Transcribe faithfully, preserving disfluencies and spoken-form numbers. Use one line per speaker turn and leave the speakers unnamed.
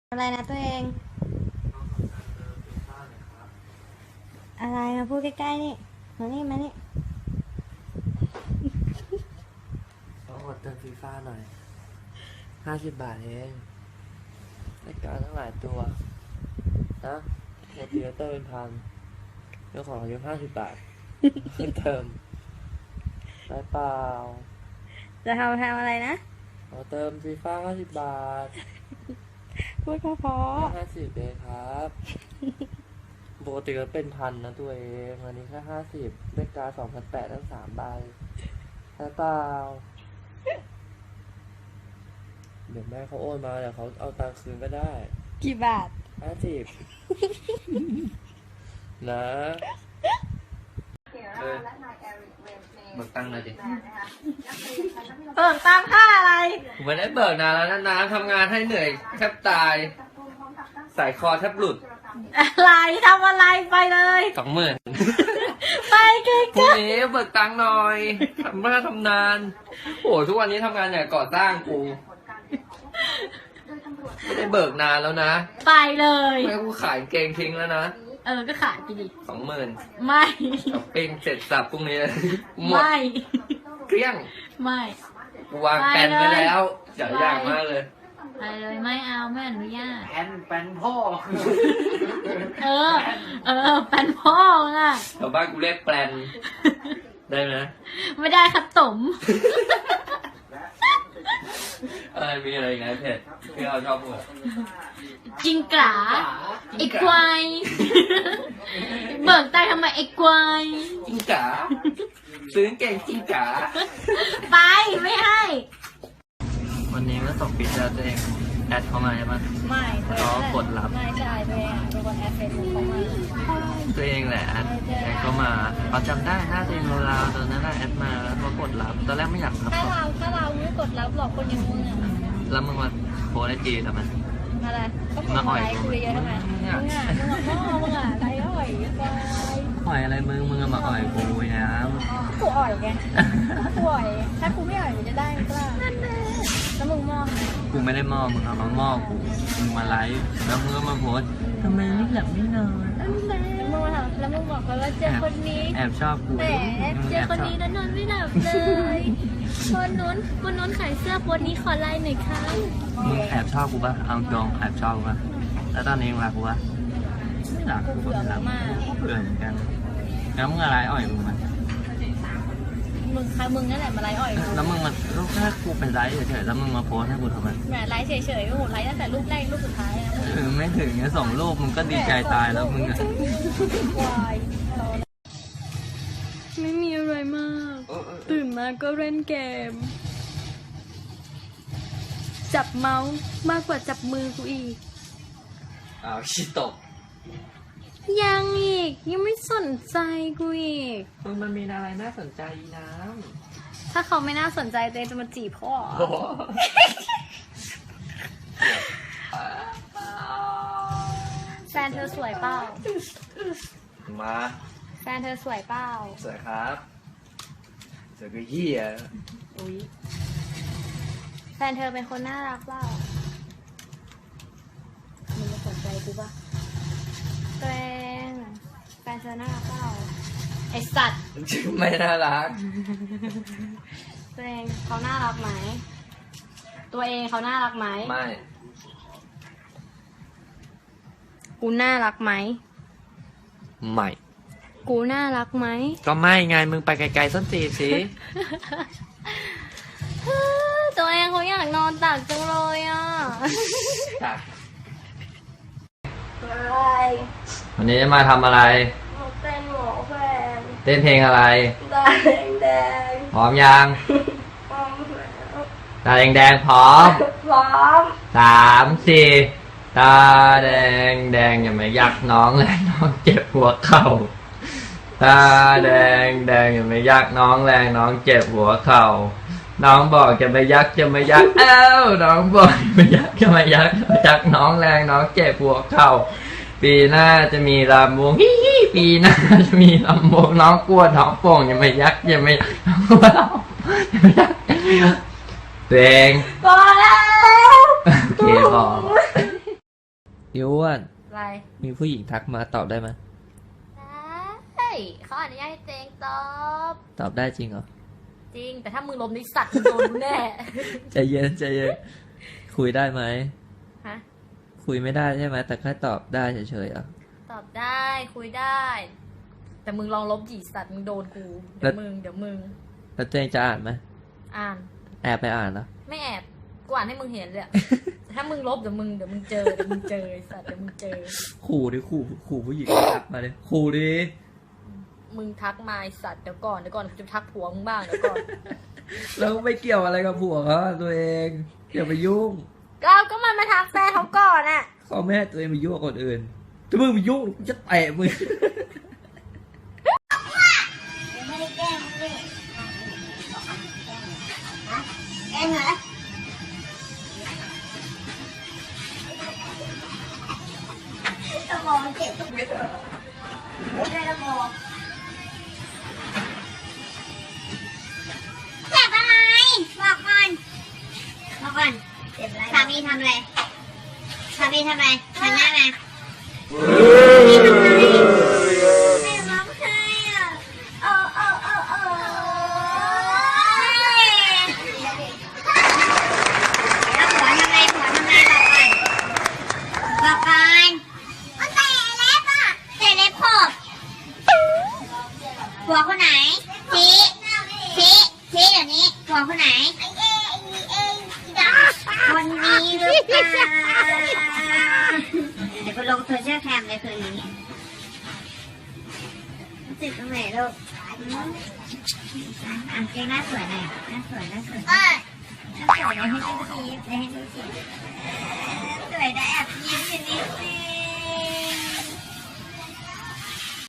อะไรนะตัวเองอะไรมาพูดใกล้ๆนี่มานี่มานี่
ต้องกดเติมฟีฟ่าหน่อยห้าสิบบาทเองรายการทั้งหลายตัวนะหมดเดือนเติมเป็นพันเรื่องของเราอยู่ห้าสิบบาทเติมได้เปล่า
จะทำทำอะไรนะ
ขอเติมฟีฟ่าห้าสิบบาท
พูดเพราะ
ห้าสิบเองครับปกติก็เป็นพันนะตัวเองอันนี้แค่ห้าสิบได้การสองพันแปดทั้งสามใบได้เปล่าเดี๋ยวแม่เขาโอนมาเดี๋ยวเขาเอาตังค์คืนก็ได้
กี่บาท
ห้าสิบนะเออเบิกตังค์หน่อยดิ
เบิกตังค่าอะไร
ผมไม่ได้เบิกนานแล้วนะน้ำทำงานให้เหนื่อยแทบตายสายคอแทบหลุด
อะไรทำอะไรไปเลย
สองหมื่น
ไปเก่งๆพ
รุ่งนี้เบิกตังค์หน่อยทำมาทำนานโอ้ทุกวันนี้ทำงานอย่างก่อสร้างกูไม่ได้เบิกนานแล้วนะ
ไปเลย
ไม่กูขายเกงทิ้งแล้วนะ
เออก็ขายไปดิ
สองหมื่น
ไม่
ช้อปปิ้งเสร็จสับพรุ่งนี้หมด
ไม่
เกลี้ยง
ไม่
กูวางแผนไว้แล้วอย่าอยากมากเลย
ไปเลยไม่เอาไม่อนุญาต
แผนแผนพ่อ
เออเออแผนพ่ออ่ะ
ชาวบ้านกูเรียกแปลนได้ไหม
ไม่ได้ครับต๋ม
อะไรมีอะไรไงเพจที่เราชอบพูด
จิงกะไอ้ควายเบิกตายทำไมไอ้ควาย
จิงกะซื้อเก่งจิงกะ
ไปไม่ให้
วันนี้ก็ตกปิดแล้วตัวเองแอดเข้ามาใช่ไหม
ไม่
ก็กดรับ
ไม่ใช่ตัวเองเป็นคนแอดเฟซบุ๊กเข้ามา
ตัวเองแหละแอดแอดเข้ามาเขาจำได้หน้าตัวเองราวๆตอนนั้นแอดมาแล้วก็กดรับตอนแรกไม่อยากรับ
ถ้าเราถ้าเราไม่กดรับหรอกคนอย่างมึงอ่ะ
แล้วมึงมาโพสไอจีทำไม
อะไรก็มาอ่อยคุยเยอะทำไมมึงอ่ะมึงอ่ะพ่อมึงอ่ะไรอ่อยไป
อ่อยอะไรมึงมึงมาอ่อยกูนะ
กูอ่อยไงกูอ่อยถ้ากูไม่อ่อยมันจะได้มั้ยล่ะแล้วมึงมอง
กูไม่ได้มองมึงเอามามองกูมึงมาไลฟ์แล้วมึงก็มาโพสทำไมไม่หลับไม่นอน
แล้วมึงมาถามแล้วมึงบอกว่าเจอคนนี้
แอบชอบกู
แต่เจอคนนี้แล้วนอนไม่หลับเลยคนนู้นคนนู้นขายเสื้อคนนี้ขอไลน์หน่อยค่ะ
มึงแอบชอบกูป่ะเอาตรงแอบชอบกูป่ะแล้วตอนนี้มึงรักกูป่ะไม่รักกูไม่รักเบื่อเหมือนกันแล้วมึงอะไรอ่อยมึงมัน
มึงใครมึงนั่นแหละมาไลฟ์อ่อย
แล้วมึงมารูปแค่กูเป็นไลฟ์เฉยๆแล้วมึงมาโพสให้กูทำไม
แหมไลฟ์เฉยๆโอ้โหไลฟ์ตั้งแต่รูปแรกรูปสุดท้ายนะ
เออไม่ถึงเนี่ยสองรูปมึงก็ดีใจตายแล้วมึงอะ
ไม่มีอะไรมากตื่นมาก็เล่นเกมจับเมาส์มากกว่าจับมือกูอีก
อ้าวชิตก
ยังอีกยังไม่สนใจกูอีก
มึงมันมีอะไรน่าสนใจน้
ำถ้าเขาไม่น่าสนใจเต้จะมาจีบพ่อแฟนเธอสวยเปล่า
มา
แฟนเธอสวยเปล่า
สวยครับสวยก็เหี้ย
อุ้ยแฟนเธอเป็นคนน่ารักเปล่ามึงจะสนใจกูปะตัวเองแฟนเธอน่ารักเปล่าไอสัตว์
ไม่น่ารัก
ตัวเองเขาน่ารักไหมตัวเองเขาน่ารักไหม
ไม่
กูน่ารักไหม
ไม่
กูน่ารักไหม
ก็ไม่ไงมึงไปไกลๆส้นตีนสิ
ตัวเองเขาอยากนอนตักจังเลยอ่ะ
วันนี้จะมาทำอะไร
เต้นหมอแฟน
เต้นเพลงอะไร
ตาแดงแดง
พร้อมยัง
พร้อม
ตาแดงแดงพร้อม
พร้อม
สามสี่ตาแดงแดงอย่ามายักน้องเลยน้องเจ็บหัวเข่าตาแดงแดงอย่ามายักน้องแรงน้องเจ็บหัวเข่าน้องบอกจะไม่ยักจะไม่ยักเอ้าน้องบอกไม่ยักจะไม่ยักยักน้องแรงน้องเจ็บหัวเข่าปีหน้าจะมีลำวงฮิฮิปีหน้าจะมีลำวงน้องกลัวน้องโป่งอย่าไม่ยักอย่าไม่น้องกลัวเราอย่าไม่ยักตัวเอง
พอแล้ว
โอเคพออิอ้วน
อะไร
มีผู้หญิงทักมาตอบได้ไหม
ได้เขาอนุญาตให้เจงตอบ
ตอบได้จริงเหรอ
จริง แต่ถ้ามึงลมนิสัตว์มึงโดนกูแน่
ใจเย็นใจเย็นคุยได้ไหม
ฮะ
คุยไม่ได้ใช่ไหมแต่แค่ตอบได้เฉยๆอ่ะ
ตอบได้คุยได้ แต่มึงลองลบจีสัตว์มึงโดนกู
แล้
เดี๋ยว วมึงเดี๋ยวมึง
แล้วตัวเองจะอ่านไหม
อ่าน
แอบไปอ่านเหรอ
ไม่แอบกูอ่านให้มึงเห็นเลยอะ แต่ถ้ามึงลบเดี๋ยวมึงเดี๋ยวมึงเจอเดี๋ยวมึงเจอไอ้สัตว์เดี๋ยวมึงเจอ
ขู่ดิขู่ขู่ผู้หญิงทักมาเลยขู่ดิ
มึงทักมาไอ้สัตว์เดี๋ยวก่อนเดี๋ยวก่อนกูจะทักผัวมึงบ้างเดี๋ยวก่อน
แล้วไม่เกี่ยวอะไรกับผัวเขาตัวเองอย่าไปยุ่ง
ก็ก็มันมาทักแฟนเขาก่อนอะ
เขาแม่ให้ตัวเองไปยุ่งกับคนอื่นถ้ามึงไปยุ่งกูจะเตะมึง
ไม่ได้แกล้งเลยแกล้งเหรอตะมองเจ็บตรงนี้ไม่ได้ตะมองเจ็บอะไรบอกก่อนบอกก่อนเจ็บอะไรสามีทำอะไรสามีทำอะไรหันหน้ามาไม่ร้องไห้อ่ะโอ้โอ้โอ้โอ้แล้วผัวทำอะไรผัวทำอะไรบอกก่อนบอกก่อนมันเตะเล็บอ่ะเตะเล็บขบผัวคนไหนชี้ชี้ชี้เดี๋ยวนี้ผัวคนไหนคนนี้หรือเปล่าเดี๋ยวไปลงโซเชียลแคมในคืนนี้จิตตรงไหนลูกอ่ะเจ๊หน้าสวยหน่อยหน้าสวยหน้าสวยหน้าสวยเดี๋ยวให้ดูชีฟเดี๋ยวให้ดูชีฟสวยได้แอบยิ้ม